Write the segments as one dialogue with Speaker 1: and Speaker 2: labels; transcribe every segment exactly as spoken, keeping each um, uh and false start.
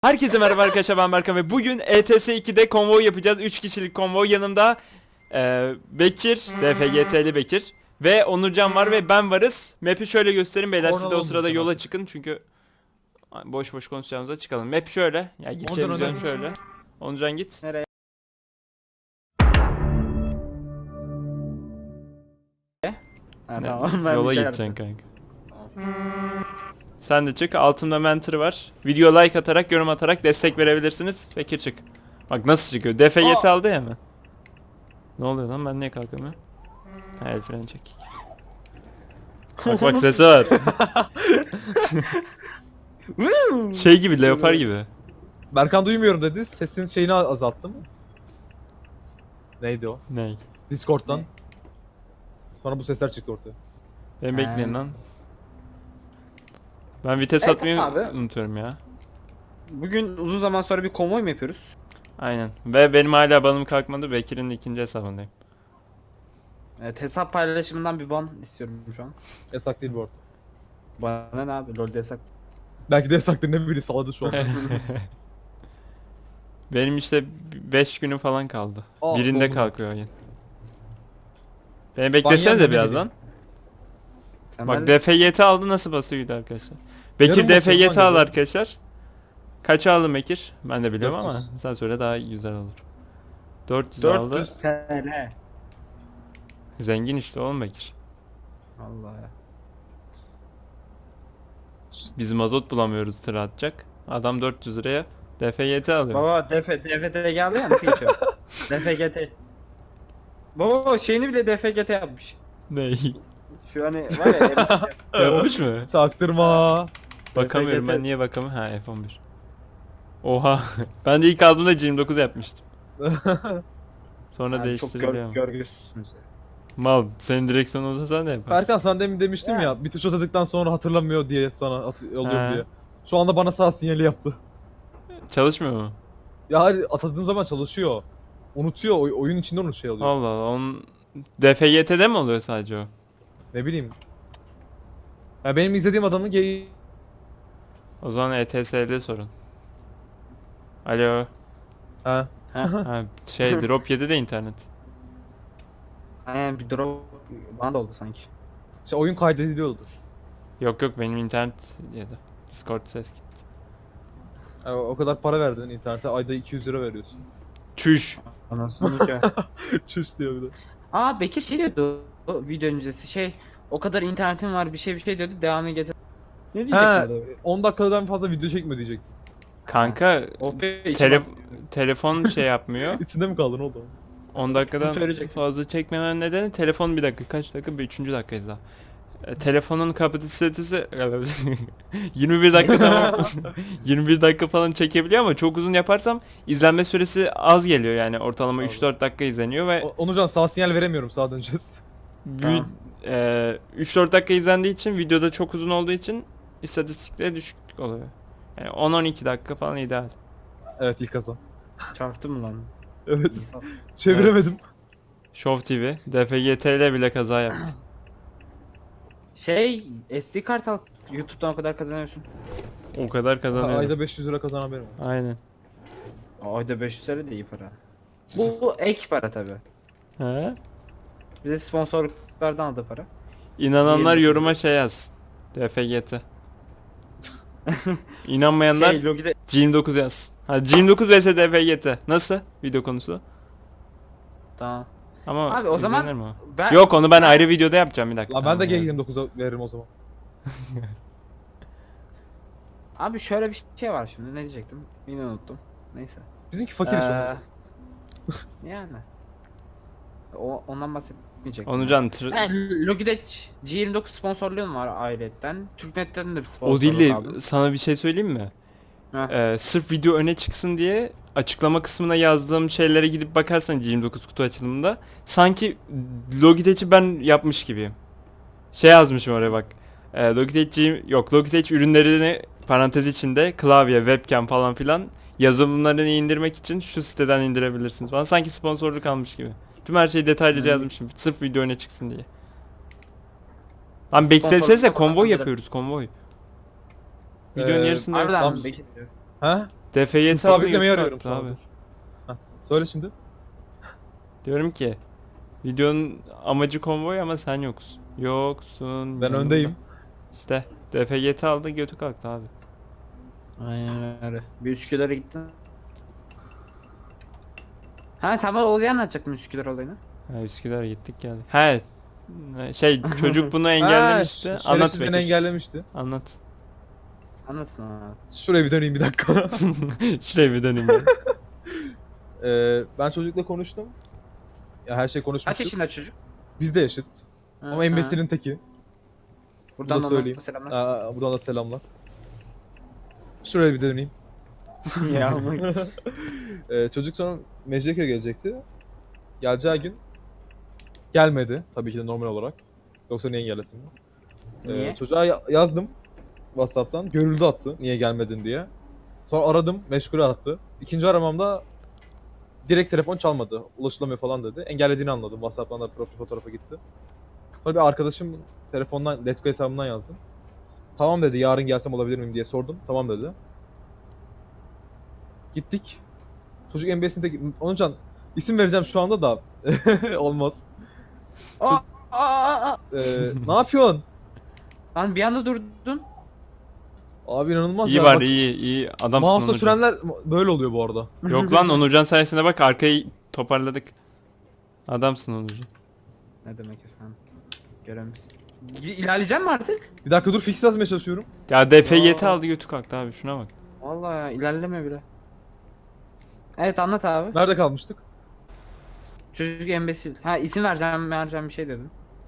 Speaker 1: Herkese merhaba arkadaşlar, ben Berkan ve bugün E T S iki'de konvoy yapacağız. üç kişilik konvoy. Yanımda e, Bekir, D F G T'li Bekir ve Onurcan var ve ben varız. Map'i şöyle göstereyim beyler, siz de o sırada yola çıkın çünkü boş boş konuşacağımıza çıkalım. Map şöyle, ya gideceğimiz yön şöyle. Onurcan git.
Speaker 2: Nereye? Ha,
Speaker 1: Ne?
Speaker 2: tamam, ben
Speaker 1: Yola
Speaker 2: bir şey
Speaker 1: gideceksin
Speaker 2: yaptım.
Speaker 1: kanka. Sen de çık. Altımda mentor var. Video like atarak, yorum atarak destek verebilirsiniz. Bekir çık. Bak nasıl çıkıyor. D F G T aldı ya hemen. Ne oluyor lan, ben niye kalkamıyorum? Ha, el freni çek. Bak bak, sesi var. Şey gibi, leopar gibi.
Speaker 3: Berkan duymuyorum dedi. Sesin şeyini azalttı mı? Neydi o?
Speaker 1: Ney?
Speaker 3: Discord'dan.
Speaker 2: Ne?
Speaker 3: Sonra bu sesler çıktı ortaya.
Speaker 1: Ben
Speaker 2: Ha.
Speaker 1: bekleyin lan. Ben vites
Speaker 2: Evet
Speaker 1: atmayı
Speaker 2: abi.
Speaker 1: unutuyorum ya.
Speaker 2: Bugün uzun zaman sonra bir konvoy mu yapıyoruz?
Speaker 1: Aynen. Ve benim hala banım kalkmadı. Bekir'in ikinci hesabındayım.
Speaker 2: Evet, hesap paylaşımından bir ban istiyorum şu an.
Speaker 3: Yasak değil bu arada.
Speaker 2: Bana ne abi, LoL'de yasak.
Speaker 3: Belki de yasaktır, ne bileyim, salladı şu an.
Speaker 1: Benim işte beş günü falan kaldı.
Speaker 3: Aa,
Speaker 1: Birinde
Speaker 3: oldu.
Speaker 1: kalkıyor oyun. Beni beklesenize
Speaker 3: Banyan
Speaker 1: biraz
Speaker 3: ne
Speaker 1: lan.
Speaker 2: Sen
Speaker 1: Bak
Speaker 2: nerede-
Speaker 1: D F Y T aldı, nasıl basıyordu arkadaşlar. Bekir
Speaker 3: Yarım
Speaker 1: D F
Speaker 3: basıyorum
Speaker 1: Y
Speaker 3: lan
Speaker 1: T aldı
Speaker 3: yarım.
Speaker 1: arkadaşlar. Kaça aldın Bekir? Ben de biliyorum
Speaker 3: dört yüz.
Speaker 1: ama sen söyle, daha güzel olur. dört yüz
Speaker 2: dört
Speaker 1: aldı.
Speaker 2: yüz T L.
Speaker 1: Zengin işte oğlum Bekir.
Speaker 2: Allah ya.
Speaker 1: Biz mazot bulamıyoruz tır atacak. Adam dört yüz liraya D F Y T alıyor.
Speaker 2: Baba D F D F T geldi ya, nasıl geçiyor? D F G T. Baba şeyini bile D F G T yapmış.
Speaker 1: Ney?
Speaker 2: Şu hani var ya elmiş ya.
Speaker 1: Yapmış mı?
Speaker 3: Çaktırma.
Speaker 1: Bakamıyorum, ben
Speaker 2: F G T.
Speaker 1: niye bakamıyorum? Ha, F on bir. Oha. Ben de ilk aldığımda yirmi dokuz yapmıştım. Sonra
Speaker 2: Abi çok
Speaker 1: değiştiriliyor.
Speaker 2: gör, görgüsüzsünüz.
Speaker 1: Mal, senin direksiyon olsa sen de yaparsın.
Speaker 3: Berkan, sen demin demiştim
Speaker 2: Ya.
Speaker 3: ya, bir tuş atadıktan sonra hatırlamıyor diye sana at oluyor
Speaker 1: He.
Speaker 3: diye. Şu anda bana sağ sinyali yaptı.
Speaker 1: Çalışmıyor mu?
Speaker 3: Ya hayır, atadığım zaman çalışıyor. Unutuyor, oy- oyun içinde onu şey oluyor.
Speaker 1: Allah Allah, onun D F Y T'de mi oluyor sadece o?
Speaker 3: Ne bileyim. Ya benim izlediğim adamın geyi...
Speaker 1: O zaman E T S'de sorun. Alo.
Speaker 3: Ha.
Speaker 1: Ha, şey drop yedi de internet.
Speaker 2: Aynen, bir drop bana da oldu sanki.
Speaker 3: İşte oyun kaydediliyordur.
Speaker 1: Yok yok, benim internet yedi. Discord ses gitti.
Speaker 3: Ya o kadar para verdin internete, ayda iki yüz lira veriyorsun.
Speaker 1: Çüş.
Speaker 2: Anasını ki.
Speaker 3: Çüş diyor bir de.
Speaker 2: Aa, Bekir şey diyordu o video öncesi, şey o kadar internetim var bir şey bir şey diyordu, devamını getir. Ne
Speaker 3: He,
Speaker 2: diyecekti?
Speaker 3: on dakikadan fazla video çekme diyecektim.
Speaker 1: Kanka
Speaker 2: O be
Speaker 1: tele telefon şey yapmıyor.
Speaker 3: İçinde mi kaldın oğlum?
Speaker 1: on dakikadan
Speaker 2: Söyleyecek.
Speaker 1: fazla çekmemen nedeni telefon bir dakika, kaç dakika? Bir üçüncü dakikayız daha. E, telefonun kapasitesi yirmi bir dakika, tamam. yirmi bir dakika falan çekebiliyor ama çok uzun yaparsam izlenme süresi az geliyor, yani ortalama üç dört dakika izleniyor ve
Speaker 3: O- Onurcan, sağ sinyal veremiyorum, sağa döneceğiz.
Speaker 1: vi- e, üç dört dakika izlendiği için, videoda çok uzun olduğu için istatistikleri düşük oluyor. Yani on on iki dakika falan ideal.
Speaker 3: Evet, ilk kazan.
Speaker 2: Çarptı mı lan?
Speaker 3: Evet,
Speaker 2: İnsan.
Speaker 3: çeviremedim.
Speaker 1: Show T V D F G T ile bile kaza yaptı.
Speaker 2: Şey S D kart al, YouTube'dan o kadar kazanıyorsun.
Speaker 1: O kadar kazanıyor.
Speaker 3: Ayda beş yüz lira kazanan benim.
Speaker 1: Aynen.
Speaker 2: Ayda beş yüz lira da iyi para. Bu, bu ek para tabi.
Speaker 1: He?
Speaker 2: Bir de sponsorluklardan aldığı para.
Speaker 1: İnananlar
Speaker 2: Yirmi-
Speaker 1: yoruma şey yaz. D F G T. İnanmayanlar
Speaker 2: Şey Logi'de
Speaker 1: G yirmi dokuz yaz. Ha, G yirmi dokuz vs D F G T. Nasıl video konusu?
Speaker 2: tamam.
Speaker 1: Ama
Speaker 2: Abi o zaman
Speaker 1: izlenir mi o?
Speaker 2: ver,
Speaker 1: Yok, onu ben
Speaker 2: ver-
Speaker 1: ayrı videoda yapacağım, bir dakika.
Speaker 3: La ben de
Speaker 1: Tamam,
Speaker 3: G
Speaker 1: evet.
Speaker 3: yirmi dokuza veririm o zaman.
Speaker 2: Abi şöyle bir şey var şimdi, ne diyecektim? Yine unuttum. Neyse.
Speaker 3: Bizimki fakir iş
Speaker 2: Ee,
Speaker 3: Onurcan.
Speaker 2: Yani. O, ondan bahsetmeyecektim.
Speaker 1: Onurcan tır...
Speaker 2: Yani Logitech G yirmi dokuz sponsorluğum var ayrıyetten. Türknet'ten de bir sponsorluk
Speaker 1: O değil de
Speaker 2: aldım.
Speaker 1: sana bir şey söyleyeyim mi?
Speaker 2: Heh.
Speaker 1: Ee, sırf video öne çıksın diye açıklama kısmına yazdığım şeylere gidip bakarsan G yirmi dokuz kutu açılımında sanki Logitech'i ben yapmış gibiyim. Şey yazmışım oraya bak. Ee, Logitech G- yok Logitech ürünlerini parantez içinde klavye, webcam falan filan yazılımlarını indirmek için şu siteden indirebilirsiniz falan. Sanki sponsorluk almış gibi. Tüm her şeyi detaylıca
Speaker 2: Hmm.
Speaker 1: yazmışım. Sırf video öne çıksın diye. Lan
Speaker 2: Sponsorluk
Speaker 1: beklesenize,
Speaker 2: da
Speaker 1: konvoy
Speaker 2: bana
Speaker 1: yapıyoruz, konvoy. Videonun
Speaker 3: Ee,
Speaker 1: yarısında yok.
Speaker 2: Harbiden
Speaker 3: Tamam.
Speaker 2: mi? Bekir.
Speaker 3: Ha?
Speaker 1: D F Y T aldı
Speaker 3: Sabitlemeyi
Speaker 1: götü
Speaker 3: arıyorum
Speaker 1: kalktı
Speaker 3: şu an.
Speaker 1: abi.
Speaker 3: dur. Heh, söyle şimdi.
Speaker 1: Diyorum ki videonun amacı konvoy ama sen yoksun. Yoksun.
Speaker 3: Ben
Speaker 1: yanımda.
Speaker 3: öndeyim.
Speaker 1: İşte D F Y T aldı götü kalktı abi.
Speaker 2: Aynen öyle. Bir Üsküdar'a gittin. Ha sen bana olayı anlatacaktın Üsküdar olayını.
Speaker 1: Ha, Üsküdar'a gittik geldik. He şey çocuk bunu engellemişti.
Speaker 3: Ha,
Speaker 1: Anlat
Speaker 3: şerefsiz beni
Speaker 1: Bekir.
Speaker 3: engellemişti.
Speaker 1: Anlat.
Speaker 2: Anlatın abi.
Speaker 3: Şuraya bir döneyim bir dakika.
Speaker 1: Şuraya bir döneyim ben.
Speaker 3: Ee, ben çocukla konuştum. Ya her şey
Speaker 2: Kaç
Speaker 3: konuşmuştuk.
Speaker 2: yaşında çocuk?
Speaker 3: Biz de yaşıt. Ama
Speaker 2: Ha,
Speaker 3: embesilin teki.
Speaker 2: Buradan
Speaker 3: bunu
Speaker 2: da
Speaker 3: söyleyeyim.
Speaker 2: selamlar.
Speaker 3: Aa, buradan da selamlar. Şuraya bir döneyim.
Speaker 2: ya ama
Speaker 3: Ee, çocuk sonra Mecidiyeköy'e gelecekti. Geleceği gün gelmedi. Tabii ki de normal olarak. Yoksa niye engellesin? Ee,
Speaker 2: Niye?
Speaker 3: çocuğa ya- yazdım WhatsApp'tan. Görüldü attı niye gelmedin diye. Sonra aradım, meşgule attı. İkinci aramamda direkt telefon çalmadı. Ulaşılamıyor falan dedi. Engellediğini anladım. WhatsApp'tan da profil fotoğrafa gitti. Sonra bir arkadaşım telefondan, Letgo hesabından yazdım. Tamam dedi, yarın gelsem olabilir miyim diye sordum. Tamam dedi. Gittik. Çocuk N B A'sinde Onurcan isim vereceğim şu anda da olmaz.
Speaker 2: Aa, aa, aa.
Speaker 3: Ee, ne yapıyorsun?
Speaker 2: Lan bir anda durdun.
Speaker 3: Abi inanılmaz
Speaker 1: İyi
Speaker 3: ya.
Speaker 1: var
Speaker 3: Bak,
Speaker 1: iyi iyi adamsın
Speaker 3: mouse'la
Speaker 1: Onurcan.
Speaker 3: sürenler böyle oluyor bu arada.
Speaker 1: Yok lan Onurcan sayesinde bak arkayı toparladık. Adamsın Onurcan.
Speaker 2: Ne demek efendim? Göremiz. İlerleyecek mi artık?
Speaker 3: Bir dakika dur fix yazmaya çalışıyorum.
Speaker 1: Ya D F Y T
Speaker 2: Aa.
Speaker 1: aldı götü kalktı abi şuna bak.
Speaker 2: Vallahi ya ilerleme bile. Evet anlat abi.
Speaker 3: Nerede kalmıştık?
Speaker 2: Çocuk embesil. Ha isim vereceğim vereceğim bir şey dedim.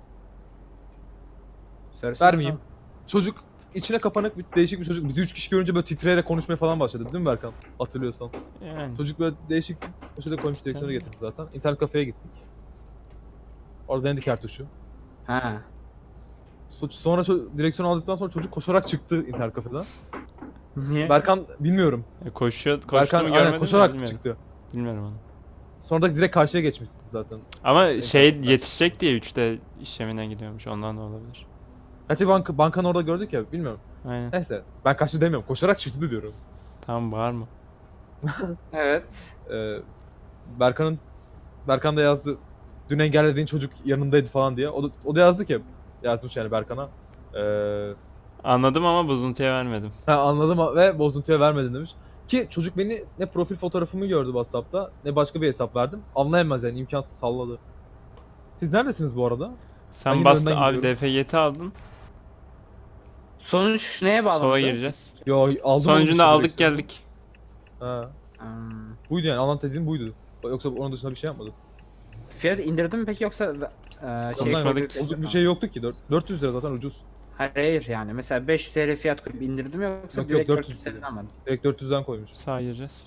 Speaker 2: Söylesene.
Speaker 3: Vermeyeyim. Çocuk içine kapanık bir değişik bir çocuk. Bizi üç kişi görünce böyle titreyerek konuşmaya falan başladı değil mi Berkan? Hatırlıyorsan.
Speaker 1: Yani.
Speaker 3: Çocuk böyle değişik bir şekilde koymuş direksiyonu getirdi zaten. İnternet kafeye gittik. Orada denedik her tuşu.
Speaker 2: Ha.
Speaker 3: So- Sonra ço- direksiyonu aldıktan sonra çocuk koşarak çıktı internet kafeden.
Speaker 2: Niye?
Speaker 3: Berkan bilmiyorum.
Speaker 1: E, koşuyor koştuğunu
Speaker 3: Berkan
Speaker 1: görmedin
Speaker 3: aynen
Speaker 1: mi?
Speaker 3: koşarak
Speaker 1: Bilmiyorum.
Speaker 3: çıktı.
Speaker 1: Bilmiyorum onu.
Speaker 3: Sonra da direkt karşıya geçmişti zaten.
Speaker 1: Ama
Speaker 3: İşte
Speaker 1: şey
Speaker 3: internetten.
Speaker 1: yetişecek diye üçte işlemine gidiyormuş ondan da olabilir.
Speaker 3: Gerçi banka, bankanı orada gördük ya bilmiyorum.
Speaker 1: Aynen.
Speaker 3: Neyse ben kaçtı demiyorum. Koşarak çıktı diyorum.
Speaker 1: Tamam bağırma.
Speaker 2: Evet.
Speaker 3: Ee, Berkan'ın Berkan da yazdı. Dün engellediğin çocuk yanındaydı falan diye. O da, o da yazdı ki yazmış yani Berkan'a. Ee,
Speaker 1: Anladım ama bozuntuya vermedim.
Speaker 3: ha, anladım ve bozuntuya vermedin demiş. Ki çocuk beni ne profil fotoğrafımı gördü WhatsApp'ta ne başka bir hesap verdim. Anlayamaz yani imkansız salladı. Siz neredesiniz bu arada? Ben
Speaker 1: Sen
Speaker 3: yine
Speaker 1: bastın
Speaker 3: önden
Speaker 1: abi
Speaker 3: gidiyorum.
Speaker 1: D F Y T aldın.
Speaker 2: Sonuç neye bağlı?
Speaker 1: Sola gireceğiz.
Speaker 3: Yo aldım.
Speaker 1: Sonucunda
Speaker 3: onu
Speaker 1: aldık
Speaker 3: işte direksiyonu.
Speaker 1: geldik.
Speaker 3: Ha.
Speaker 2: Hmm.
Speaker 3: Buydu yani anlat dediğin buydu. Yoksa onun dışında bir şey yapmadım.
Speaker 2: Fiyat indirdin mi peki yoksa e, şey
Speaker 1: Konuşmadık.
Speaker 3: Bozuk bir şey yoktu ki. dört- dört yüz lira zaten ucuz.
Speaker 2: Hayır, hayır yani mesela beş yüz T L fiyat koyup indirdim yoksa
Speaker 3: Yok, yok,
Speaker 2: direkt
Speaker 3: dört yüz
Speaker 2: dört yüz T L'den almadım.
Speaker 3: Direkt dört yüzden koymuş.
Speaker 1: Sağa gireceğiz.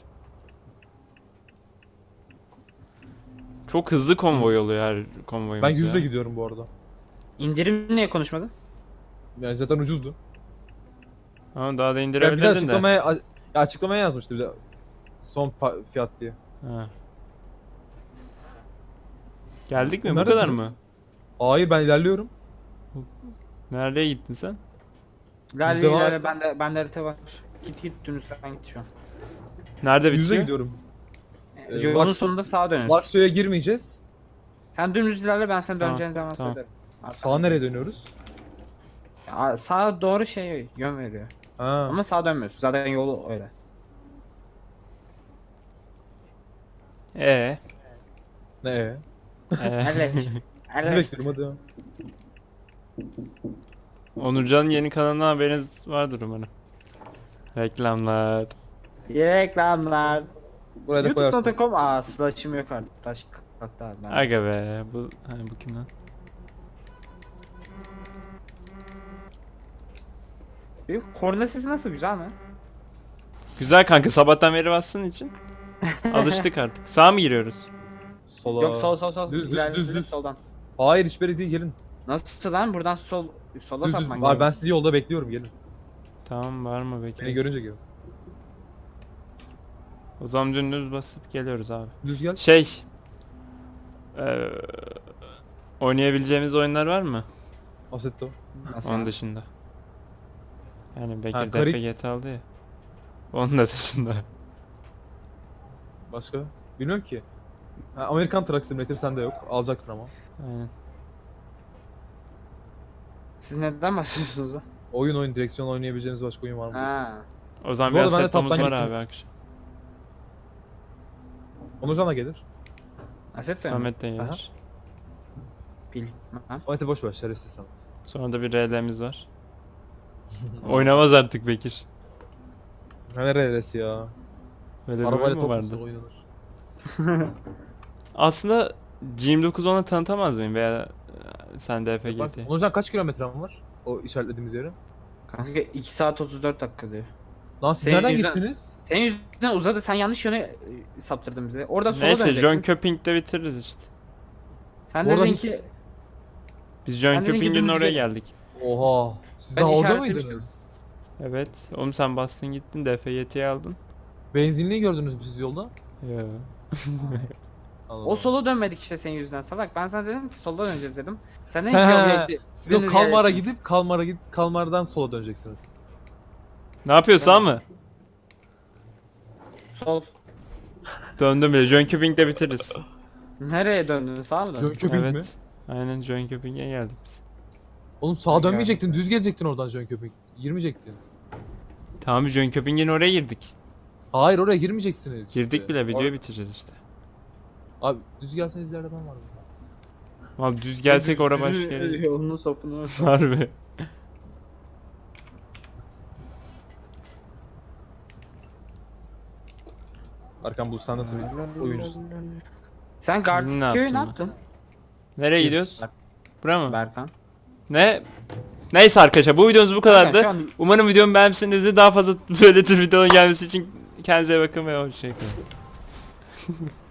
Speaker 1: Çok hızlı konvoy oluyor her konvoyumuz
Speaker 3: Ben yüzle
Speaker 1: ya.
Speaker 3: gidiyorum bu arada.
Speaker 2: İndirim niye konuşmadın?
Speaker 3: Yani zaten ucuzdu.
Speaker 1: Ama daha da
Speaker 3: Ya bir de
Speaker 1: indirebilirdin de.
Speaker 3: açıklamaya, a- ya açıklamaya yazmıştı bir de. Son pa- fiyat diye.
Speaker 1: Ha. Geldik mi? Bu
Speaker 3: Neredesiniz?
Speaker 1: kadar mı?
Speaker 3: Hayır ben ilerliyorum.
Speaker 1: Nereye gittin sen?
Speaker 2: Lale
Speaker 3: Yüzde var.
Speaker 2: lale bende bende harita var. Git git dönüşten git şu an.
Speaker 1: Nerede
Speaker 3: Yüzle
Speaker 1: bitiyor?
Speaker 3: gidiyorum. Ee,
Speaker 2: Yolun
Speaker 3: Laks-
Speaker 2: sonunda sağa dönüyorsun.
Speaker 3: Lakso'ya girmeyeceğiz.
Speaker 2: Sen dümdüz ilerle ben sen
Speaker 1: Tamam,
Speaker 2: döneceğin zaman
Speaker 1: tamam.
Speaker 2: söylerim. Arkadan.
Speaker 3: Sağa nereye dönüyoruz?
Speaker 2: Ya, sağa doğru şey yön veriyor.
Speaker 3: Ha.
Speaker 2: Ama sağa dönmüyorsun. Zaten yolu öyle.
Speaker 1: Ee.
Speaker 3: Ne?
Speaker 1: ee.
Speaker 2: Elle işte.
Speaker 3: Sizi
Speaker 2: Elle işte.
Speaker 3: bekliyorum hadi.
Speaker 1: Onurcan'ın yeni kanalına haberiniz vardır umarım. Reklamlar.
Speaker 2: Reklamlar.
Speaker 3: Buraya da
Speaker 2: youtube
Speaker 3: koyarsın.
Speaker 2: nokta com aa slash'ım yok artık. Taş kalktı abi. Ben.
Speaker 1: Aga be. Bu, ha, bu kim lan?
Speaker 2: Benim korna sesi nasıl, güzel mi?
Speaker 1: Güzel kanka sabahtan beri bassın için. Alıştık artık. Sağa mı giriyoruz?
Speaker 3: Sola.
Speaker 2: Yok sol sol sol.
Speaker 3: Düz, düz,
Speaker 2: İlerle,
Speaker 3: düz,
Speaker 2: düz,
Speaker 3: düz.
Speaker 2: Soldan.
Speaker 3: Hayır hiçbiri değil gelin.
Speaker 2: Nasıl lan? Buradan sol sola
Speaker 3: Düz düz.
Speaker 2: sapman
Speaker 3: Var
Speaker 2: gerekiyor.
Speaker 3: ben sizi yolda bekliyorum gelin.
Speaker 1: Tamam var mı
Speaker 3: Beni
Speaker 1: bekle.
Speaker 3: görünce gelin.
Speaker 1: O zaman dümdüz basıp geliyoruz abi.
Speaker 3: Düz gel.
Speaker 1: Şey. Eee oynayabileceğimiz oyunlar var mı?
Speaker 3: Assetto.
Speaker 2: Nasıl
Speaker 1: Onun
Speaker 2: yani?
Speaker 1: dışında. Yani Bekir
Speaker 3: Ha,
Speaker 1: D F
Speaker 3: Karix.
Speaker 1: G T aldı ya. Onun da dışında.
Speaker 3: Başka? Bilmiyorum ki. Ha, Amerikan Truck Simulator sende yok. Alacaksın ama.
Speaker 1: Aynen.
Speaker 2: Siz neden bahsediyorsunuz lan?
Speaker 3: Oyun oyun direksiyon oynayabileceğiniz başka oyun var mı?
Speaker 2: Ha.
Speaker 1: O zaman
Speaker 3: Bu arada
Speaker 1: biraz
Speaker 3: bende
Speaker 1: settomuz
Speaker 3: toptan
Speaker 1: var abi
Speaker 3: gitsin.
Speaker 1: akşam.
Speaker 3: Onurcan da gelir.
Speaker 2: Aset de mi?
Speaker 1: Samet de
Speaker 3: Aha.
Speaker 1: gelir.
Speaker 2: Bilmem.
Speaker 3: Samet'i boş ver şerefsiz Samet.
Speaker 1: Sonra da bir R L'miz var. Oynamaz artık Bekir.
Speaker 3: Ne neresi ya?
Speaker 1: Böyle bir
Speaker 3: Arabayla
Speaker 1: oyun mu
Speaker 3: top
Speaker 1: vardı?
Speaker 3: nasıl oynanır?
Speaker 1: Aslında G yirmi dokuz ona tanıtamaz mıyım veya e, sen D F G
Speaker 3: Bak,
Speaker 1: T?
Speaker 3: Onurcan kaç kilometren var? O işaretlediğimiz yere.
Speaker 2: Kanka iki saat otuz dört dakika diyor.
Speaker 3: Lan siz
Speaker 2: Senin
Speaker 3: nereden
Speaker 2: yüzünden-
Speaker 3: gittiniz?
Speaker 2: Senin yüzünden uzadı. Sen yanlış yöne e, saptırdın bizi. Orada sola
Speaker 1: Neyse
Speaker 2: dönecektin.
Speaker 1: John Köping'de bitiririz işte.
Speaker 2: Sen
Speaker 3: Bu arada
Speaker 2: dedin
Speaker 3: hiç-
Speaker 2: ki
Speaker 1: Biz John
Speaker 2: Ben dedim ki
Speaker 1: Köping'in
Speaker 2: dümdüz
Speaker 1: oraya
Speaker 2: gel.
Speaker 1: geldik.
Speaker 3: Oha. Siz
Speaker 2: Ben
Speaker 3: daha orada
Speaker 2: işaretlemiştim.
Speaker 3: mıydınız?
Speaker 1: Evet. Oğlum sen bastın gittin D F G T'yi aldın.
Speaker 3: Benzinliği gördünüz mü siz yolda?
Speaker 1: Ya.
Speaker 3: Anladım.
Speaker 2: o sola dönmedik işte senin yüzünden salak. Ben sana dedim ki solda döneceğiz dedim. Sen dedin
Speaker 3: Sen-
Speaker 2: ki yok bekle.
Speaker 3: Siz o
Speaker 2: dümdüz
Speaker 3: Kalmar'a
Speaker 2: geleceksiniz.
Speaker 3: gidip Kalmar'a gidip Kalmar'dan sola döneceksiniz.
Speaker 1: Ne yapıyorsun
Speaker 2: Ben-
Speaker 1: mı?
Speaker 2: Sol.
Speaker 1: Döndüm bile. John Köping'de bitiririz.
Speaker 2: Nereye döndün? Sağa mı döndün?
Speaker 3: Jön Köping
Speaker 1: evet.
Speaker 3: mi?
Speaker 1: Aynen John Köping'e geldik biz.
Speaker 3: Oğlum sağa
Speaker 2: Ben
Speaker 3: dönmeyecektin,
Speaker 2: geldim.
Speaker 3: düz gelecektin oradan Jön Köping. Girmeyecektin.
Speaker 1: Tamam John Köping'in oraya girdik.
Speaker 3: Hayır oraya girmeyeceksiniz.
Speaker 1: Girdik
Speaker 3: işte.
Speaker 1: bile videoyu
Speaker 3: Or-
Speaker 1: bitireceğiz işte.
Speaker 3: Abi düz gelseniz ileride ben varım.
Speaker 1: Abi düz gelsek oraya başka yere.
Speaker 2: Yolunu sopunu.
Speaker 1: Harbi.
Speaker 3: Arkan Bulut sen nasıl bir oyuncusun?
Speaker 2: Sen
Speaker 1: Ne
Speaker 2: Gartic
Speaker 1: yaptın
Speaker 2: köyü ne
Speaker 1: lan?
Speaker 2: yaptın?
Speaker 1: Nereye gidiyoruz?
Speaker 2: Ber-
Speaker 1: Bura mı?
Speaker 2: Berkan.
Speaker 1: Ne? Neyse arkadaşlar bu videomuz bu kadardı.
Speaker 2: Kanka, şu an-
Speaker 1: Umarım videomu beğenmişsinizdir. Daha fazla böyle tür videoların gelmesi için kendinize iyi bakın ve hoşçakalın.